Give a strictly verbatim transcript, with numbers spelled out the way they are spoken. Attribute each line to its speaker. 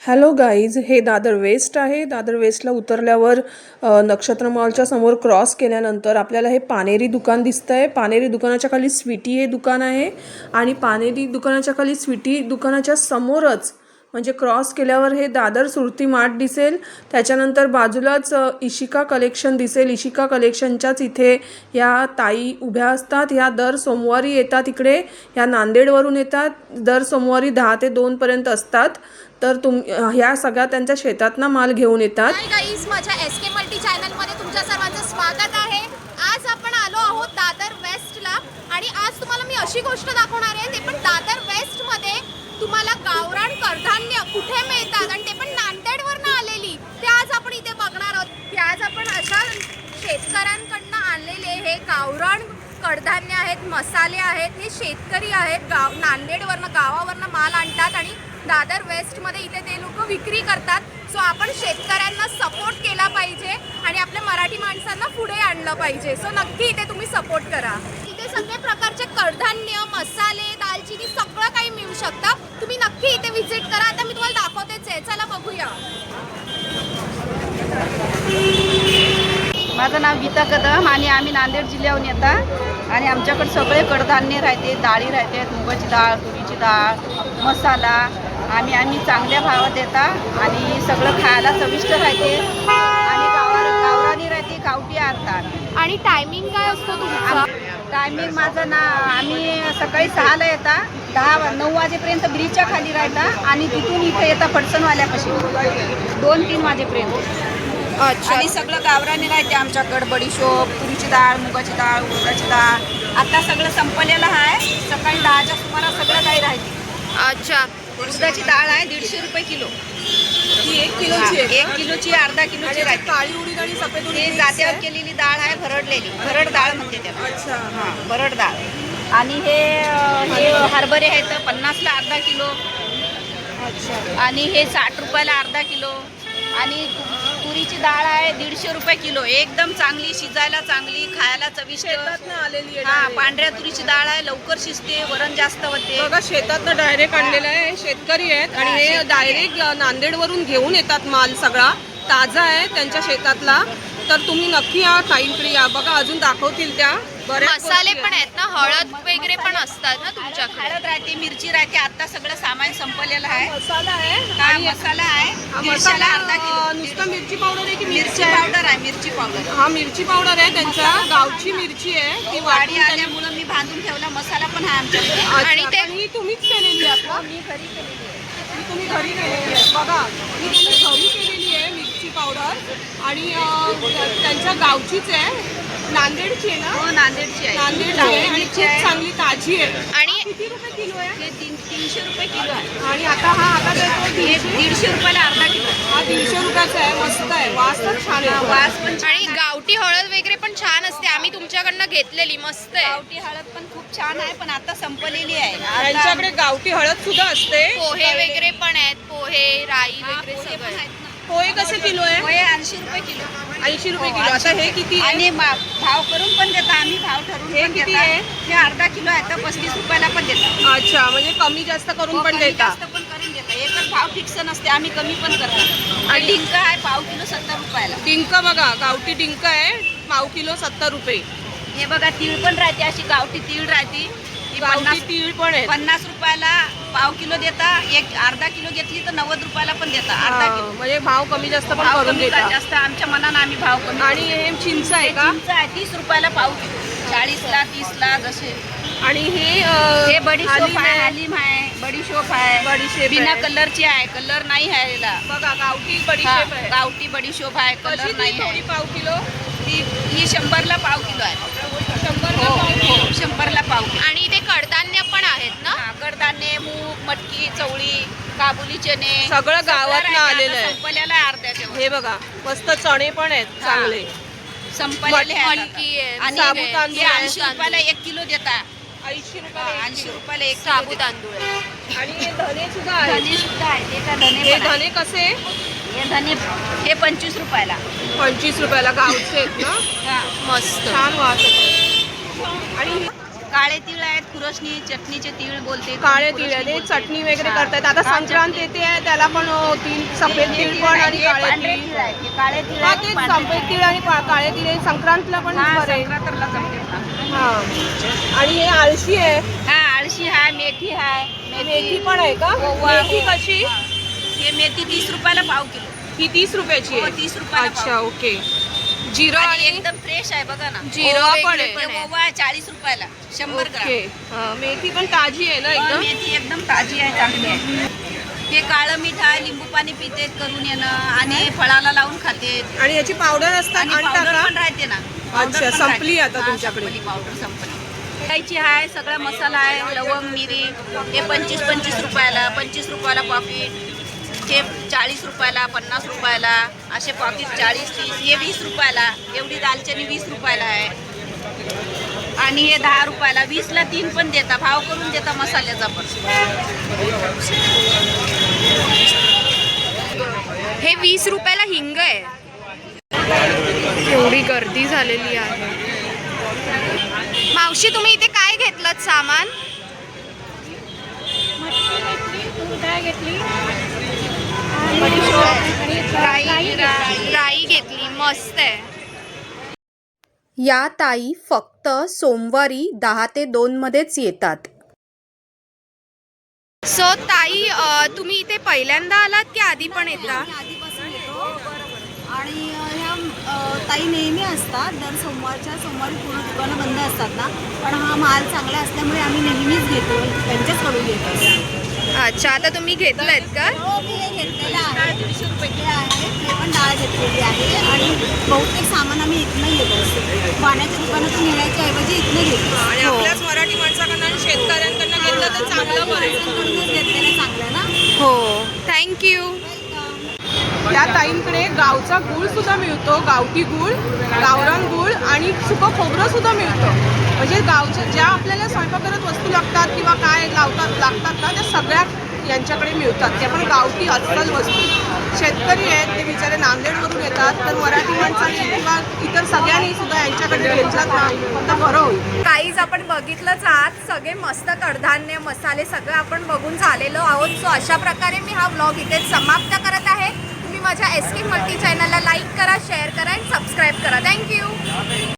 Speaker 1: Hello guys, हे Dadar waste आहे. दादर वेस्टला उतरल्यावर अ, नक्षत्र मॉलच्या समोर क्रॉस केल्यानंतर आपल्याला हे पानेरी दुकान दिसतंय. पानेरी दुकानाच्या खाली स्वीटी हे दुकान आहे आणि पानेरी दुकानाच्या खाली स्वीटी दुकानाच्या समोरच म्हणजे क्रॉस केल्यावर हे दादर सुरती मार्ट दिसेल. त्याच्यानंतर बाजूलाच अ, इशिका कलेक्शन दिसेल. इशिका कलेक्शनच्याच इथे या ताई उभ्या असतात. ह्या दर सोमवारी येतात इकडे. ह्या नांदेडवरून येतात. दर सोमवारी दहा ते दोन पर्यंत असतात. तर तुम ह्या सगळ्या त्यांच्या शेतातनं माल घेऊन येतात.
Speaker 2: हाय गाईज, माझ्या एस के मल्टी चॅनलमध्ये तुमच्या सर्वांचं स्वागत आहे. आज आपण आलो आहोत दादर वेस्टला आणि आज तुम्हाला मी अशी गोष्ट दाखवणार आहे, ते पण दादर वेस्टमध्ये तुम्हाला गावरान कडधान्य कुठे मिळतात आणि ते पण नांदेडवरनं आलेली, ते आज आपण इथे बघणार आहोत. की आज आपण अशा शेतकऱ्यांकडनं आणलेले हे गावरान कडधान्य आहेत, मसाले आहेत. हे शेतकरी आहेत, गाव नांदेडवरनं गावावरनं माल आणतात आणि दादर वेस्टमध्ये इथे ते लोक विक्री करतात. सो आपण शेतकऱ्यांना सपोर्ट केला पाहिजे आणि आपल्या मराठी माणसांना पुढे आणलं पाहिजे. सो नक्की इथे तुम्ही सपोर्ट करा. इथे सगळे प्रकारचे कडधान्य, मसाले, दालचिनी सगळं काही मिळू शकतं. तुम्ही नक्की इथे व्हिजिट करा. आता मी तुम्हाला दाखवतेच आहे, चला बघूया.
Speaker 3: माझं नाव गीता कदम आणि आम्ही नांदेड जिल्ह्याहून येतात आणि आमच्याकडे सगळे कडधान्य राहते, डाळी राहतात, मुगाची डाळ, तुरीची डाळ, मसाला. आम्ही आम्ही चांगल्या भावात देतात आणि सगळं खायला चविष्ट राहते आणि गावा गावरानी राहते, गावठी आणतात.
Speaker 2: आणि टायमिंग काय असतो तुमचा?
Speaker 3: टायमिंग माझं ना, आम्ही सकाळी सहाला येतात, दहा नऊ वाजेपर्यंत ब्रिजच्या खाली राहतात आणि तिथून इथे येतात फडसनवाल्यापाशी दोन तीन वाजेपर्यंत.
Speaker 2: अच्छा.
Speaker 3: आणि सगळं गावरानी राहते आमच्याकडं. बडीशोप, तुरीची डाळ, मुगाची डाळ, उडदाची डाळ. आता सगळं संपलेलं आहे. सकाळी दहाच्या सुमारास सगळं काही राहते.
Speaker 2: अच्छा.
Speaker 3: उडदाची डाळ आहे दीडशे रुपये किलो.
Speaker 1: ही एक किलोची आहे.
Speaker 3: एक किलोची अर्धा किलोची राहते.
Speaker 1: काळी उडीद आणि सफेद उडीद
Speaker 3: ते
Speaker 1: mix
Speaker 3: जात्यावर
Speaker 1: आहे.
Speaker 3: केलेली डाळ आहे, भरडलेली भरड डाळ म्हणते त्याला.
Speaker 1: अच्छा.
Speaker 3: हां, भरड डाळ. आणि हे हे हरभरे आहेत पन्नासला अर्धा किलो
Speaker 1: अच्छा.
Speaker 3: आणि हे साठ रुपयाला अर्धा किलो. आणि तुरीची डाळ आहे दीडशे रुपये किलो. एकदम चांगली, शिजायला चांगली, खायला चविष्ट.
Speaker 1: शेतातनं आलेली आहे
Speaker 3: हा,
Speaker 1: direct.
Speaker 3: पांढऱ्या तुरीची डाळ आहे, लवकर शिजते, वरण जास्त होते.
Speaker 1: बघा, शेतातनं डायरेक्ट आणलेलं आहे. हे शेतकरी आहेत आणि
Speaker 3: हा,
Speaker 1: हे
Speaker 3: शेतकरी
Speaker 1: डायरेक्ट नांदेडवरून घेऊन येतात माल. सगळा ताजा आहे त्यांच्या शेतातला. तर तुम्ही नक्की या ताईंकडे या. बघा, अजून दाखवतील त्या बऱ्याच
Speaker 2: मसाले
Speaker 1: गोष्टी
Speaker 2: पण
Speaker 1: आहेत.
Speaker 2: आहेत ना, हळद वगैरे पण असतात ना तुमच्याकडे?
Speaker 3: हळद राहते, मिरची राहते. आता सगळं सामान संपलेलं आहे.
Speaker 1: मसाला आहे
Speaker 3: हा,
Speaker 1: आणि
Speaker 3: मसाला आहे
Speaker 1: हा
Speaker 3: दीडशेला
Speaker 1: मसाला
Speaker 3: अर्धा किलो.
Speaker 1: अं, नुसतं मिरची पावडर आहे की
Speaker 3: मिरची
Speaker 1: मिरची आहे?
Speaker 3: पावडर आहे, मिरची पावडर.
Speaker 1: हा, मिरची पावडर आहे त्यांच्या गावची मिरची आहे. ती
Speaker 3: वाडी
Speaker 1: वाढी आल्या.
Speaker 3: आल्यामुळं मी बांधून ठेवला. मसाला पण आहे आमच्याकडे.
Speaker 2: आणि ते-
Speaker 1: ही तुम्हीच केलेली आहे का?
Speaker 3: मी घरी केलेली आहे.
Speaker 1: ही तुम्ही घरी केलेली आहे. बघा, ही तुम्ही घरी केलेली आहे मिरची पावडर आणि अं, त्यांच्या गावचीच आहे. नांदेडची आहे ना?
Speaker 3: हो, नांदेडची आहे.
Speaker 1: नांदेडची आहे आणि
Speaker 3: मिरची
Speaker 1: खूप
Speaker 3: आहे.
Speaker 1: चांगली ताजी आहे.
Speaker 2: आणि
Speaker 1: किती रुपये किलो आहे?
Speaker 3: हे तीन तीनशे रुपये किलो आहे.
Speaker 1: आणि आता हा आता देतो
Speaker 3: हे
Speaker 1: दीडशे.
Speaker 3: दीडशे रुपयाला अर्धा किलो आहे.
Speaker 1: हा दीडशे रुपयाचा आहे. मस्त आहे, वास तर छान
Speaker 3: हा,
Speaker 1: आहे.
Speaker 3: वास पण छान
Speaker 2: आणि
Speaker 3: आहे.
Speaker 2: गावठी हळद वगैरे पण छान असते. आम्ही तुमच्याकडनं घेतलेली, मस्त आहे.
Speaker 3: गावठी हळद पण खूप छान आहे, पण आता संपलेली आहे. आता-
Speaker 1: त्यांच्याकडे गावठी हळद सुद्धा असते.
Speaker 2: पोहे वगैरे पण आहेत, पोहे, राई
Speaker 3: हा,
Speaker 2: वगैरे
Speaker 3: पोहे
Speaker 2: सगळं
Speaker 3: पण
Speaker 2: आहे.
Speaker 3: आहेत ना.
Speaker 1: पोहे कसे किलो आहे?
Speaker 3: पोहे ऐंशी रुपये किलो.
Speaker 1: ऐंशी रुपये
Speaker 3: हो,
Speaker 1: किलो. आता
Speaker 3: ऐंशी
Speaker 1: हे किती आहे?
Speaker 3: आणि मा- भाव करून पण देता आम्ही, भाव ठरवून
Speaker 1: हे
Speaker 3: पण
Speaker 1: किती
Speaker 3: देता.
Speaker 1: आहे?
Speaker 3: हे अर्धा किलो आहे तर पस्तीस रुपयाला पण देतात.
Speaker 1: अच्छा, म्हणजे कमी जास्त करून
Speaker 3: हो,
Speaker 1: पण
Speaker 3: कमी
Speaker 1: देता.
Speaker 3: जास्त पण करून देतात. एकच भाव फिक्स नसते, आम्ही कमी पण करतो.
Speaker 1: आणि-
Speaker 3: डिंक आहे पाव किलो सत्तर रुपयाला.
Speaker 1: डिंक बघा, गावठी डिंक आहे पाव किलो सत्तर रुपये.
Speaker 3: हे बघा तीळ पण राहते, अशी गावठी तीळ राहते. ही
Speaker 1: गावठी
Speaker 3: पन्नास
Speaker 1: तीळ पण आहे.
Speaker 3: पन्नास रुपयाला पाव किलो देता. एक अर्धा किलो घेतली तर नव्वद रुपयाला पण देता. अर्धा
Speaker 1: हा,
Speaker 3: किलो
Speaker 1: म्हणजे भाव कमी जास्त पण
Speaker 3: भाव
Speaker 1: करून
Speaker 3: कमी का
Speaker 1: देता.
Speaker 3: जास्त आमच्या मनानं आम्ही भाव कमी.
Speaker 1: आणि हे चिंच आहे का?
Speaker 3: चिंच आहे तीस रुपयाला पाव किलो, चाळीसला तीसला जसे.
Speaker 1: आणि हे अं,
Speaker 3: हे बडीशोप
Speaker 1: हालीम
Speaker 3: आहे,
Speaker 1: आहे.
Speaker 3: हालीम आहे, बडीशोप आहे.
Speaker 1: बडीशेप
Speaker 3: बिना
Speaker 1: आहे.
Speaker 3: कलरची आहे, कलर नाही आहे याला.
Speaker 1: बघा, गावठी
Speaker 3: हा,
Speaker 1: बडीशेप आहे.
Speaker 3: गावठी बडीशोप आहे,
Speaker 1: कशी
Speaker 3: कलर
Speaker 1: ती
Speaker 3: नाही
Speaker 1: थोडी
Speaker 3: आहे.
Speaker 1: पाव किलो?
Speaker 3: ती ही शंभरला पाव किलो आहे.
Speaker 1: शंभर
Speaker 3: हो हो, शंभरला पाव किलो.
Speaker 2: आणि इथे कडधान्य पण आहेत ना?
Speaker 3: हा, कडधान्य, मूग, मटकी, चवळी, काबुली चणे
Speaker 1: सगळं गावातनं
Speaker 3: राहते.
Speaker 1: आलेलं
Speaker 3: आता
Speaker 1: आहे.
Speaker 3: संपलेलं आहे अर्ध्याच्या वर.
Speaker 1: हे बघा, मस्त चणे पण आहेत
Speaker 3: हा.
Speaker 1: चांगले.
Speaker 3: संपलेले आहे
Speaker 2: मटकी आहे,
Speaker 3: आणि
Speaker 2: मूग
Speaker 1: साबुत
Speaker 2: आहे,
Speaker 1: तांदूळ
Speaker 3: हे
Speaker 1: आहे.
Speaker 3: ऐंशी रुपयाला एक किलो देता.
Speaker 1: ऐंशी
Speaker 3: हा,
Speaker 1: रुपये
Speaker 3: ऐंशी रुपयाला एक
Speaker 2: साबू
Speaker 3: किलो
Speaker 2: तांदूळ आहे.
Speaker 1: देता. आणि हे धने सुद्धा आहेत.
Speaker 3: धने सुद्धा आहे, ते का धने
Speaker 1: हे
Speaker 3: पण आहे.
Speaker 1: धने कसे?
Speaker 3: हे धने हे पंचवीस रुपयाला.
Speaker 1: पंचवीस रुपयाला गावचे आहेत ना?
Speaker 3: हा.
Speaker 2: मस्त.
Speaker 1: छान वास येतो. आणि
Speaker 3: काळे तीळ आहेत, खुरसणी चटणीचे तीळ बोलते.
Speaker 1: काळे
Speaker 3: खुरसणी
Speaker 1: तीळ आहे ते
Speaker 3: बोलते.
Speaker 1: चटणी वगैरे
Speaker 3: हा.
Speaker 1: करतायत. आता
Speaker 3: हा,
Speaker 1: संक्रांत
Speaker 3: चटणी.
Speaker 1: येते आहे त्याला पण अ, तीळ सफेद
Speaker 3: हे
Speaker 1: तीळ
Speaker 3: तीळ
Speaker 1: पण
Speaker 3: आहे,
Speaker 1: आणि
Speaker 3: हे
Speaker 1: काळे
Speaker 3: पांढरे
Speaker 1: तीळ.
Speaker 3: तीळ आहे. हे काळे तीळ
Speaker 1: हा
Speaker 3: आहे,
Speaker 1: ते
Speaker 3: पांढरे
Speaker 1: सफेद
Speaker 3: तीळ
Speaker 1: तीळ आणि पा- काळे तीळ आहे. संक्रांतला पण
Speaker 3: हा,
Speaker 1: बरे.
Speaker 3: संक्रांतीला जमते ना.
Speaker 1: हा आणि हे आळशी आहे.
Speaker 3: हा, आळशी आहे, मेथी आहे.
Speaker 1: मेथी पण आहे का?
Speaker 3: ओवा,
Speaker 1: मेथी
Speaker 3: हो.
Speaker 1: कशी?
Speaker 3: हा. हे मेथी तीस रुपयाला पाव किलो.
Speaker 1: ही तीस रुपयाची
Speaker 3: हो,
Speaker 1: आहे.
Speaker 3: तीस रुपयाला पाव.
Speaker 1: अच्छा ओके. जिरं
Speaker 3: आणि
Speaker 1: आणि
Speaker 3: एकदम फ्रेश आहे बघा ना.
Speaker 1: जिरं
Speaker 3: ओवा
Speaker 1: पण
Speaker 3: वेगळे
Speaker 1: आहे.
Speaker 3: पण आहे. ओवा चाळीस रुपयाला शंभर ग्राम.
Speaker 1: ओके. हा, मेथी पण ताजी आहे ना
Speaker 3: हो,
Speaker 1: एकदम.
Speaker 3: मेथी एकदम ताजी आहे, चांगली आहे. हे काळं मीठ आहे, लिंबू पाणी पिते करून येणं आणि फळाला लावून खाते.
Speaker 1: आणि याची पावडर असतात
Speaker 3: आणि
Speaker 1: आणता
Speaker 3: पावडर
Speaker 1: का?
Speaker 3: पण राहते ना. पावडर
Speaker 1: अच्छा,
Speaker 3: पण
Speaker 1: संपली
Speaker 3: राहते.
Speaker 1: आता
Speaker 3: हा,
Speaker 1: तुमच्याकडे.
Speaker 3: संपली पावडर संपली. खायची आहे, सगळा मसाला आहे, लवंग मिरी हे पंचवीस पंचवीस रुपयाला, पंचवीस रुपयाला पॉकेट. हे चाळीस रुपयाला, पन्नास रुपयाला असे पॉकेट चाळीस तीस. हे वीस रुपयाला. एवढी दालचिनी वीस रुपयाला आहे. आणि हे दहा रुपयाला. वीसला तीन पण देता, भाव करून देता मसाल्याचा पण.
Speaker 2: हे वीस रुपयाला हिंग आहे. एवढी गर्दी झालेली आहे. मावशी तुम्ही इथे काय घेतलं सामान? राई राई घेतली, मस्त आहे.
Speaker 4: या ताई फक्त सोमवारी दहा ते दोन मध्येच येतात.
Speaker 2: सो ताई अ, तुम्ही इथे पहिल्यांदा आलात की आधी पण येता?
Speaker 5: आधीपासून येतो आणि ह्या अ, ताई नेहमी असतात. दर सोमवारच्या सोमवारी पूर्ण दुकानं बंद असतात ना, पण हा माल चांगला असल्यामुळे आम्ही नेहमीच घेतो, त्यांच्याचकडून घेतो.
Speaker 2: अच्छा, आता तुम्ही घेतलंयत का?
Speaker 5: हो, मी हे घेतलेलं आहे. दीडशे रुपये आहे. हे पण डाळ घेतलेली आहे आणि बहुतेक सामान आम्ही इथनं घेतो. पाण्याच्या दुकानातून नेण्याच्या ऐवजी इथनं घेतो.
Speaker 1: आणि आपल्याच मराठी माणसाकडनं आणि शेतकऱ्यांकडनं घेतलं तर चांगलं पडेल.
Speaker 5: माणसांकडूनच घेतलेलं चांगलं ना.
Speaker 2: हो, थँक्यू.
Speaker 1: त्या ताईंकडे गावचा गूळ सुद्धा मिळतो, गावठी गूळ, गावरान गूळ आणि सुकं खोबरं सुद्धा मिळतं. म्हणजे गावच्या ज्या आपल्याला स्वयंपाकात वस्तू लागतात किंवा काय लावतात लागतात ना, त्या सगळ्या यांच्याकडे मिळतात. त्या पण गावठी अस्सल वस्तू. शेतकरी आहेत ते बिचारे नांदेडवरून येतात, तर मराठी माणसांनी किंवा इतर सगळ्यांनी सुद्धा यांच्याकडे घेतलात ना तर बरं होईल.
Speaker 2: काहीच आपण बघितलंच आज सगळे मस्त कडधान्य मसाले सगळं आपण बघून झालेलो आहोत. सो अशा प्रकारे मी हा व्लॉग इथे समाप्त करत आहे. तुम्ही माझ्या एस के मल्टी चॅनलला लाईक करा, शेअर करा आणि सबस्क्राईब करा. थँक्यू.